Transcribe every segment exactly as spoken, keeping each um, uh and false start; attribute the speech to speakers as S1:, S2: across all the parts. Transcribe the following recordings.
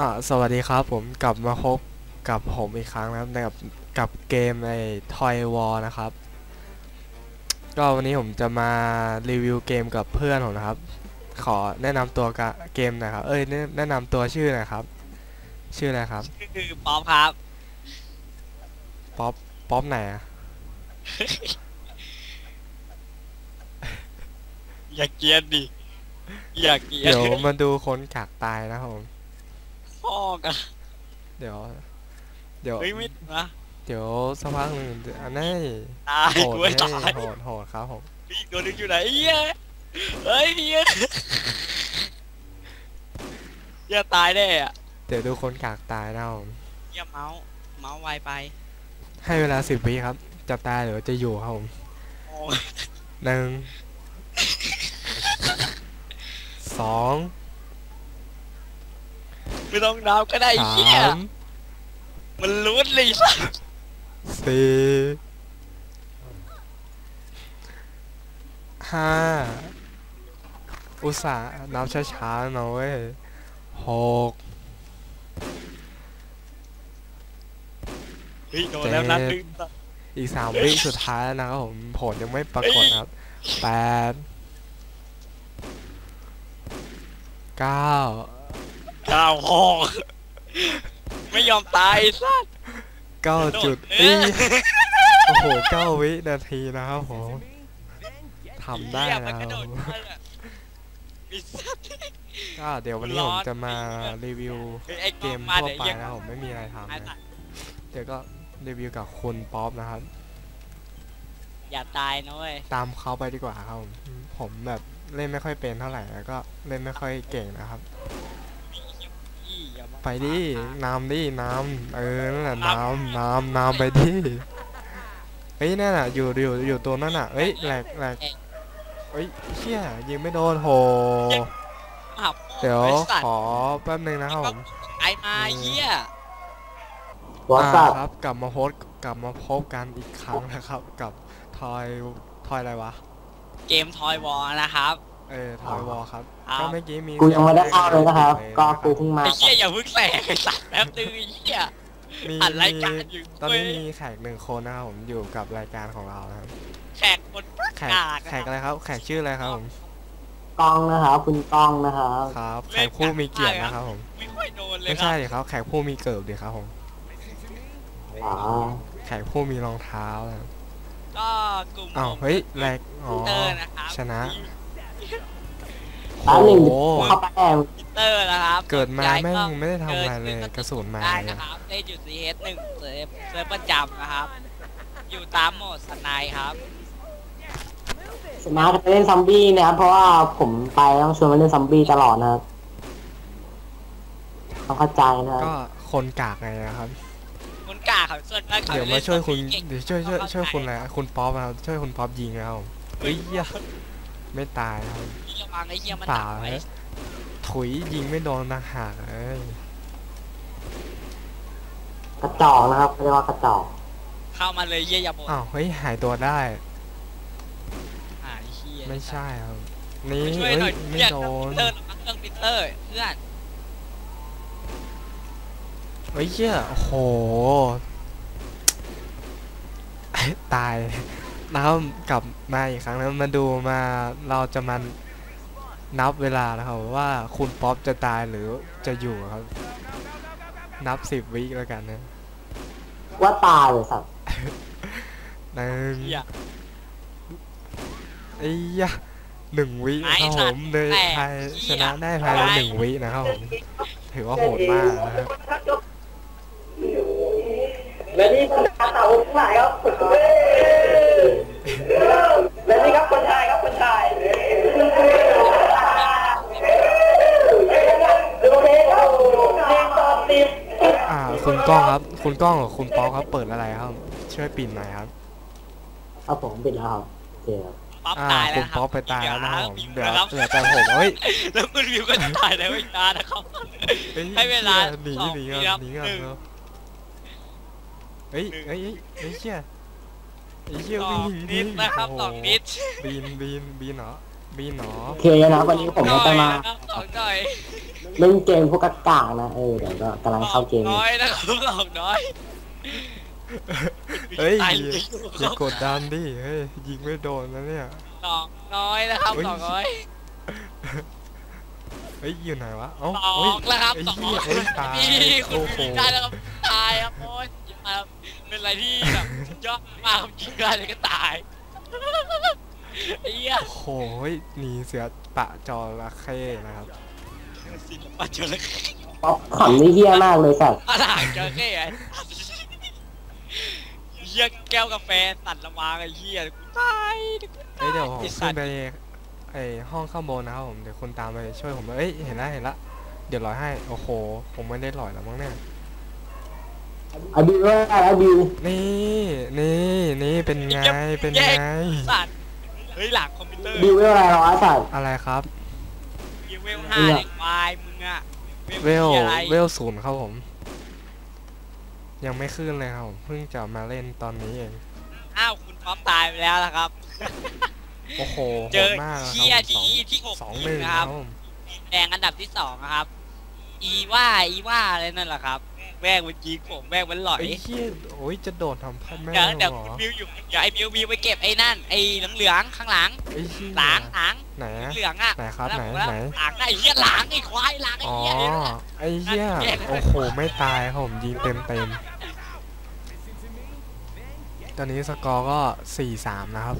S1: อ่าสวัสดีครับผมกลับมาพบกับผมอีกครั้งนะครับในกับกับเกมใน Toy War นะครับก็วันนี้ผมจะมารีวิวเกมกับเพื่อนผมนะครับขอแนะนำตัวกะเกมหน่อยครับเอ้ยแนะแนะนำตัวชื่อหน่อยครับชื่ออะไรครับ
S2: คือป๊อปครับ
S1: ป๊อปป๊อปไหนอะ
S2: อย่าเกลียดดิอย่าเกลียด
S1: เดี๋ยวมาดูคนกากตายนะครับผม
S2: พ่อกัน
S1: เดี๋ยวเดี๋ยว
S2: เฮ้ยไม่นะ
S1: เดี๋ยวสักพักหนึ่งอันนี้
S2: ตาย
S1: โหด
S2: กูไม่
S1: ให้
S2: ตาย
S1: โหดโหดครับผม
S2: พี่ตัวนึงอยู่ไหนเฮียเฮ้ยเฮียเฮียตายแน่อะ
S1: เดี๋ยวดูคนกากตายนะครับผม
S2: เฮียเมาส์เมาส์ไวไป
S1: ให้เวลาสิบวิครับจะตายหรือจะอยู่ครับผม
S2: โอ้
S1: หนึ่งสอง
S2: ไม่ต้องนับก็ได้
S1: สา
S2: เฮีย
S1: ม
S2: มันลุ้นเลยสัส
S1: สี่ห้าอุตส่าห์นับช้าๆหน่อยหก
S2: เฮ้ยโดน
S1: เจ็
S2: แล้วนัด
S1: ด
S2: นึง
S1: อีกสามวิสุดท้ายแล้วนะครับผมผลยังไม่ปรากฏครับแปดเก้า
S2: ก้าวห้องไม่ยอมตายสัส
S1: เก้าจุด
S2: เอ
S1: อี
S2: อ
S1: โอ้โหเก้าวินาทีนะครับผมทำได้
S2: เฮียมั
S1: แล้ว
S2: นกระโดดมาเลยมีสัตว์
S1: ก็เดี๋ยววันนี้ผมจะมารีวิว
S2: เฮ้ยไอ้ก
S1: เกม
S2: ล้องมา
S1: ทั่วไป
S2: เดี๋ยวยัง
S1: นะผมไม่มีอะไรทำ
S2: ไอ้
S1: นะ
S2: สัตว์
S1: เดี๋ยวก็รีวิวกับคุณป๊อปนะครับ
S2: อย่าตายนะเว้ย
S1: ตามเขาไปดีกว่าครับผมผมแบบเล่นไม่ค่อยเป็นเท่าไหร่แล้วก็เล่นไม่ค่อยเก่งนะครับ
S2: พี่อย่ามา
S1: ไปดิ
S2: ขวางทาง
S1: น้ำดิน้ำเออนั่นแหละน้ำน้ำน้ำไปดิเฮ้ยนั่นน่ะอยู่อยู่อยู่ตัวนั่นน่ะเฮ้ยแหลกแหลกเฮ้ยเชี่ยยิงไม่โดนโห
S2: อ้าว
S1: เดี๋ยว
S2: ไอ้สัต
S1: ขอ
S2: ว์
S1: แป๊บนึงนะครับผม
S2: ไอ้มาเฮีย
S3: วอ
S1: อ่า
S3: ทสับ
S1: ครับกลับมาโพสกลับมาพบกันอีกครั้งนะครับกับทอยทอยอะไรวะ
S2: เกมทอยวอลนะครับ
S1: เออทอยวอลครับ
S2: เอา
S1: ก็เมื่อกี้มี
S3: กูยังไม่ได้เข้าเลยนะครับ ก็กูเพิ่งมา
S2: ไอ้เฮียอย่าเพิ่งแสกไอ้สัตว์แป๊บนึงไอ้เฮีย
S1: มี
S2: อัดราย
S1: มี
S2: การอยู่
S1: ตอน
S2: เว้
S1: นี้
S2: ย
S1: มีแขกหนึ่งคนนะครับผมอยู่กับรายการของเรานะครับ
S2: แขกคนประ
S1: แขก
S2: กาศ
S1: แขกอะไรครับแขกชื่ออะไรครับผม
S3: กล้องนะครับคุณกล้องนะครับ
S1: ครับแขกผู้มีเกียรตินะครับผม
S2: ไม่ค่อยโดนเลย
S1: ไม่
S2: ครั
S1: ใช่
S2: บ
S1: ดิครับแขกผู้มีเกิบดิครับผม
S3: อ๋อ
S1: แขกผู้มีรองเท้านะครับ
S2: ก็กลุ่ม
S1: อ้า
S2: ผม
S1: วเฮ้ยแรกอ๋อ
S2: เตอร์นะครับ
S1: ชนะ
S3: ร้านหนึ่ง
S1: โอ้โห
S3: เข้าไปแอบ
S2: มิเตอร์นะครับ
S1: เกิดมาแม่ง
S2: ก็
S1: ไม่ได้ทำอะไรเลยกระสุนมา
S2: ได้
S1: เนี่ย
S2: นะครับได้จุด ซี เอส หนึ่งเซิร์ฟเซิร์ฟประจำนะครับอยู่ตามโหมดสไนด์ครับ
S3: สมาร์ทจะเล่นซอมบี้นะครับเพราะว่าผมไปต้องชวนมาเล่นซอมบี้ตลอดนะครับต้องเข้าใจนะครับ
S1: ก็คนกากไงนะครับ
S2: คนกาเขาส่วนมากเขา
S1: เดี๋ยว
S2: ล่
S1: มาน ช่วยคุณ
S2: ซอมบี้เก่ง
S1: เดี๋ยวช่วยช่วยช่วยคุณอะไร
S2: เข้าใจ
S1: คุณป๊อปนะครับช่วยคุณป๊อปยิงนะครับผมเฮ้ยเหี้ยไม่ตายนะครับ
S2: พี่ระวังไอ้เหี้ยมัน
S1: เป
S2: หนั
S1: ล่าก
S2: ไว้
S1: นะถุยยิงไม่โดนต่างหากเอ้ย
S3: กระจอกนะครับเรียกว่ากระจอก
S2: เข้ามาเลยเหี้ยอย่าบ่น
S1: อ้าวเฮ้ยหายตัวได้
S2: หายเหี้ย
S1: ไม่ใช่ครับนี่
S2: ไปช่วย
S1: เฮ้
S2: หน่อย
S1: ยไม่
S2: เรียก
S1: โดน
S2: เครื่องปิเตอร์เครื่องปิเตอร์เพื่อน
S1: เฮ้ยเหี้ยโอ้โหตายแล้วกลับมาอีกครั้งแล้วมาดูมาเราจะมานับเวลานะครับว่าคุณป๊อปจะตายหรือจะอยู่ครับนับสิบวิแล้วกันนะ
S3: ว่าตายเลยสัตว์
S1: หนึ่ง
S2: เหี้ย
S1: ไอ้ยะหนึ่งวิครับผมเลยไทยชนะได้ภายในหนึ่งวินะครับผมถือว่าโหดมากนะครับ
S3: และนี่คนชายเต่าทั้งหลายครับและนี่ครับคนชายครับคนชายดูเพลงครับเพลงตอนติด
S1: อ่าคุณก้องครับคุณก้องกับคุณป๊อกครับเปิดอะไรครับช่วยปิดหน่อยครับ
S3: เอาผมปิดแล้วครับโอเคครับ
S2: ป๊อป
S1: อ่า
S2: ตายแล้
S1: คุ
S2: ว
S1: ณ
S2: ครับ
S1: ป๊อกไปตายแล้วนะครับผม
S2: วิว
S1: เดี๋ยว
S2: นะครับ
S1: เหลือแต่ผมเฮ้ย
S2: แล้วคุณวิวก็จะตายแล้วอีกนานนะครับ
S1: เฮ้ย
S2: ให้เวลา
S1: หนี
S2: สอง
S1: หนี
S2: วิ
S1: ก่
S2: ครั
S1: อน
S2: บ
S1: หนีก่อน
S2: หนึ่ง
S1: เนาะเฮ้ยเฮ้ยเฮ้ยเฮ้ยเชี่ยไอ้เชี่ย
S2: สอ
S1: วิ่
S2: ง
S1: ง
S2: นิ
S1: วิ่
S2: ด
S1: ง
S2: นะครับ
S1: โอ้
S2: สอง
S1: โห
S2: นิด
S1: บีนบีนบีนเหรอบีหนอ
S3: โอเคนะวันนี้ผมก็จะมา
S2: สองหน่อย
S3: เล่นเกมพวกกากานะเออเดี๋ยวก็กำลังเข้าเกม
S2: น้อยนะครับสองน้อย
S1: เฮ้ย
S2: ตาย
S1: อย่ากดดันดิเฮ้ยยิงไม่โดนนะเนี่ย
S2: สองน้อยนะครับสองน้อย
S1: เฮ้ยอยู่ไหนวะเอ้า
S2: สอ
S1: เฮ้ย
S2: งแล้วครับ
S1: ไอ้
S2: สอง
S1: เหี้ยเฮ้ยตาย
S2: นี่คุณ
S1: โอ้โห
S2: ยิงได้แล้วครับตายครับโอ้ยครับเป็นอะไรที่แบบยอดมากครับยิงได้เลยก็ตายไอ้เหี้ย
S1: โอ้โหเฮ้ยหนีเสือปะจระเข้นะครับ
S2: ศิลปะจระเข้
S3: ป๊อปขำนี่เฮี้ยมากเลยสัตว์
S2: อะไรจระเข้ไอ้เหี้ยแก้วกาแฟสั่นละวางไอ้เหี้ยกูตาย
S1: เฮ้ยเดี๋ยวผม
S2: ไอ้สั
S1: ขึ้
S2: ต
S1: น
S2: ว์
S1: ไปไอห้องข้างบนนะครับผมเดี๋ยวคุณตามไปช่วยผมเอ้ยเห็นละเห็นละเดี๋ยวลอยให้โอ้โหผมไม่ได้ลอยแล้วมั้งเนี่ย
S3: อะบิวว่าอะบิว
S1: นี่นี่นี่เป็นไงเป็นไง
S2: สัตว์เฮ้ยหลังคอมพิวเตอร์
S3: บิวว่าอะไรหรอสัตว์
S1: อะไรครับ
S2: เวลห้าเด็กวายมึงอะ
S1: เวล
S2: หี้ยอะไร
S1: เวลศูนย์ครับผม ยังไม่ขึ้นเลยครับผมเพิ่งจะมาเล่นตอนนี้เอง
S2: อ้าวคุณป๊อปตายไปแล้วนะครับ
S1: โอ้โห
S2: เจ
S1: โห
S2: อ
S1: ดมากนะ
S2: เชีย
S1: ครับผม
S2: ดีที่หก
S1: สองหนึ่ง
S2: นะ
S1: ค
S2: ค
S1: รั
S2: รั
S1: บบ ผม
S2: แดงอันดับที่สองนะครับ อีว่าอีว่าอะไรนั่นแหละครับแม่งมันยิงผมแม่งมันหลอย
S1: ไอ้เหี้ยโอ้ยจะโดดทำพันแม่
S2: เดี๋ยวเดี๋ยว
S1: เหรอ
S2: บิวอยู่เดี๋ยวไอ้บิวบิวไปเก็บไอ้นั่นไอ้เหลืองๆข้างหลัง
S1: ไอ้เหี้ย
S2: หลังหลัง
S1: ไหนอะ
S2: เหลืองๆอ่ะ
S1: ไหนครับ
S2: แล้ว
S1: ไหน
S2: แล้ว
S1: ไหน
S2: หลังไอ้เหี้ยหลังไอ้ควายหลังไอ้
S1: อ๋อ
S2: เหี้ยเนี่ย
S1: ไอ้เหี้ย
S2: นั่นแยกเลย
S1: โอ้โหไม่ตายครับผมยิงเต็มเต็มตอนนี้สกอร์ก็สี่สามนะครับ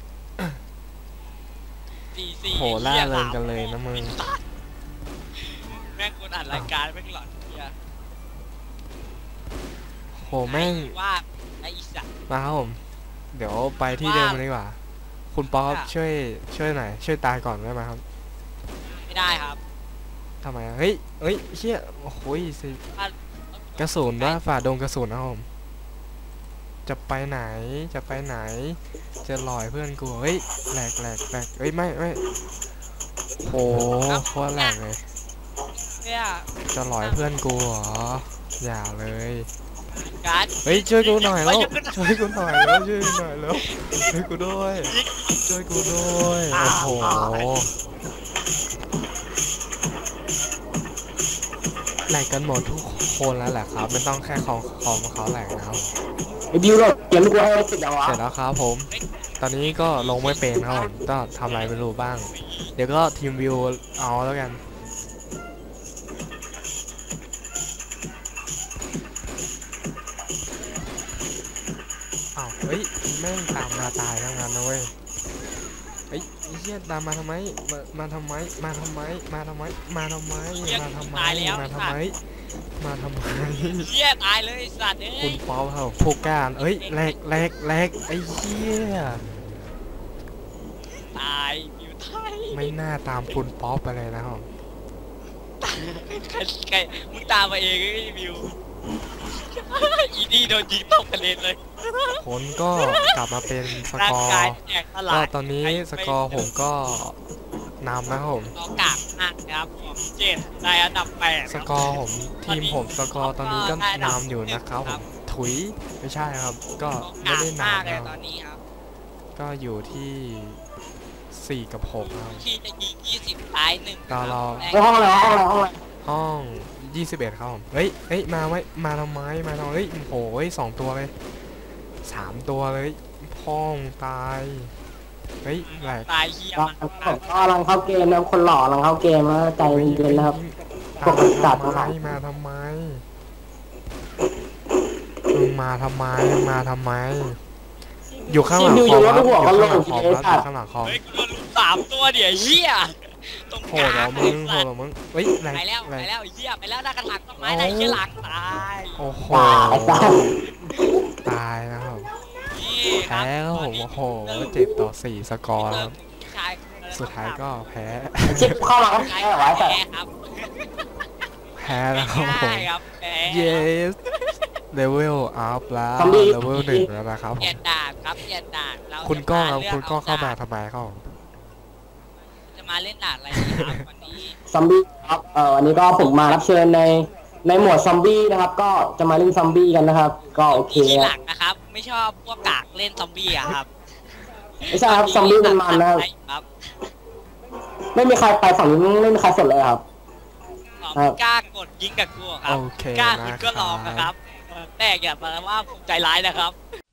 S2: สี่สี่
S1: โหล่า
S2: หี้
S1: เริง
S2: สม
S1: กันเลยนะมึง
S2: แม่งคนอัดรายการแม่งหลอนเหี้ย
S1: โหแม่ง
S2: ไอ้ว่าไอ้อีสัตว์
S1: มาครับผม เดี๋ยวไปที่เดิมดีกว่า คุณป๊อป
S2: ค่ะ
S1: ช่วยช่วยหน่อยช่วยตายก่อนได้ไหมครับ
S2: ไม่ได้ครับ
S1: ทำไมอะเฮ้ยเฮ้ยเชี่ยโอ้โหสิ
S2: ถ้าก
S1: ระสุนว่าฝ่าดงกระสุนนะครับผม จะไปไหนจะไปไหน จะลอยเพื่อนกูเฮ้ยแหลกแหลกแหลกเฮ้ยไม่ไม่โหโคตรแหลกเลย
S2: เนี่ย
S1: จะลอยเพื่อนกูเหรออย่าเลย
S2: การ
S1: เฮ้ยช่วยกูหน่อยแล้ว
S2: เฮ้ย
S1: ช่วยกูหน่อยแล้วช่วยกูหน่อยแล้วช่วยกูด้วยช่วยกูด้วยโอ้โหแหลกกันหมดทุกคนแล้วแหละครับไม่ต้องแค่คอมคอมเขาแหลกนะครับ
S3: ไอ้บิวเราเกมลูกกูให้สิบแล้ววะ
S1: เสร็จแล้วครับผม ตอนนี้ก็ลงไม่เป็นครับผมก็ทำอะไรไม่รู้บ้าง เดี๋ยวก็ทีมวิวเอาแล้วกันอ้าวเฮ้ยแม่งตามมาตายทั้งนั้นนะเว้ยเฮ้ยไอ้เหี้ยตามมาทำไมมามาทำไมมาทำไมมาทำไมมาทำไมมาทำไมมาทำไมมาทำไม
S2: เหี้ยตายเลยไอ้สัตว์เอ้
S1: คุ
S2: ย
S1: ณป๊อปครับพวกการเอ้ยแลกแลกแลกไอ้เหี้ย
S2: ตายบิวตาย
S1: ไม่น่าตามคุณป๊อปไปเลยนะครับ
S2: ใครใครมึงตามมาเองไอ้บิวอีนี่โดนยิงตกกระเด็นเลย
S1: ผลก็กลับมาเป็นส
S2: ร่าก
S1: อง
S2: กาย
S1: ร์
S2: แตกสลา
S1: ก็
S2: ย
S1: ตอนนี้สกอร์ผมก็นำนะครับผม
S2: ต่อกากมากนะครับผมเจ็ดได้อันดับแปด
S1: สกอร์ผมทีมผมสกอร์ตอนนี้ก็นำอยู่นะครับผมถุยไม่ใช่ครับ ก็ไม่ได้
S2: มากเลย
S1: นำ
S2: ต
S1: นะ
S2: อนนี้ครับ
S1: ก็อยู่ที่สี่กับหกครับ
S2: ที่จะยิงยี่สิบตายหนึ่ง
S1: ตอนเรา
S3: ไอ้ห้องอะไรห้องอะไรห้องอะไร
S1: ห้องยี่สิบเอ็ดครับผมเฮ้ยเฮ้ยมาไว้มาทำไมมาทำไมเฮ้ยโอ้โหเฮ้ยสองตัวเลยสามตัวเลยพ่องตายเฮ้ยแหลก
S2: ตายเฮีย
S3: ก็
S2: มัน
S3: ผมก็กำลังเข้าเกมนะครับคนหล่อกำลังเข้าเกมแล้วใจเย็นๆนะครับ
S1: ตาม
S3: พวกสัตว์
S1: มา
S3: ทั้งหลาย
S1: ทำไมมาทำไมมึงมาทำไมมึงมาทำไม อยู่ข้างหลัง
S3: ดู
S1: ค
S3: อ
S1: อม
S3: ยู่
S1: ครับ
S3: แล้ว
S1: อ
S3: หัว
S1: ยู่
S3: ก็
S1: ข้าง
S3: โล
S1: หลัง
S3: ง
S1: คอม
S3: ที
S1: ครับอ
S3: เดียว
S1: ยู่
S3: สั
S1: ข้าง
S3: ตว์
S1: หลังคอม
S2: เฮ้ยกูโดนลุมสามตัวเดี๋ยวเฮียตรง
S1: โห
S2: ก
S1: ดเหร
S2: ลา
S1: อง มึงโหดเหรอมึงเฮ้ยแหลก
S2: ไปแล้ว
S1: แหล
S2: ไป
S1: ก
S2: แล้วเฮียไปแล้วด้านกระถางต้นไม้ได้เฮียหลังตาย
S1: โอ้โห
S3: ตายตาย
S1: ตายนะครับ
S2: นี่ครั
S1: แพ้
S2: บ
S1: ครับผมโอ้โหเจ็ดต่อสี่สกอร์ครับ
S2: ชาย
S1: สุดท้ายก็แพ้
S3: ชิปเข้ามาก็
S2: ใช่
S3: แพ้เหรอวะไอ้สัต
S2: แพ้
S3: ว์
S2: ครับ
S1: แพ้แล้วครับผม
S2: ง่ายครับแพ้
S1: yes level up แล้ว level หนึ่งแล้วนะครับผ
S2: เปลี่ย
S1: ม
S2: นด่านครับเปลี่ยนด่านเรา
S1: คุณก้องครับ
S2: จะ
S1: คุณก้องเข้ามา
S2: ลื
S1: ทำไมครับผม
S2: จะมาเล่นด่านอะไรดีครับวันนี้
S3: ซอมบี้ครับเอ่อวันนี้ก็ผมมารับเชิญในในหมวดซอมบี้นะครับ ก็จะมาเล่นซอมบี้กันนะครับ ก็โอเค
S2: ที่ห
S3: นะ
S2: ลังนะครับ ไม่ชอบพวกกากเล่นซอมบี้อะครับ
S3: ไม่ใช่ครับซอมบี้มันมันนะครับ
S2: ครับ
S3: ไม่มีใครไปฝั่งนี้ไม่มีใครสนเลยครับ
S2: อ๋อไม่กล้ากดยิงกับกูเหรอครับ
S1: โอเค
S2: กล้า
S1: นะ
S2: คุณก็ลองนะครับ
S1: ครับ
S2: แรกอย่ามาว่าผมใจร้ายนะครับ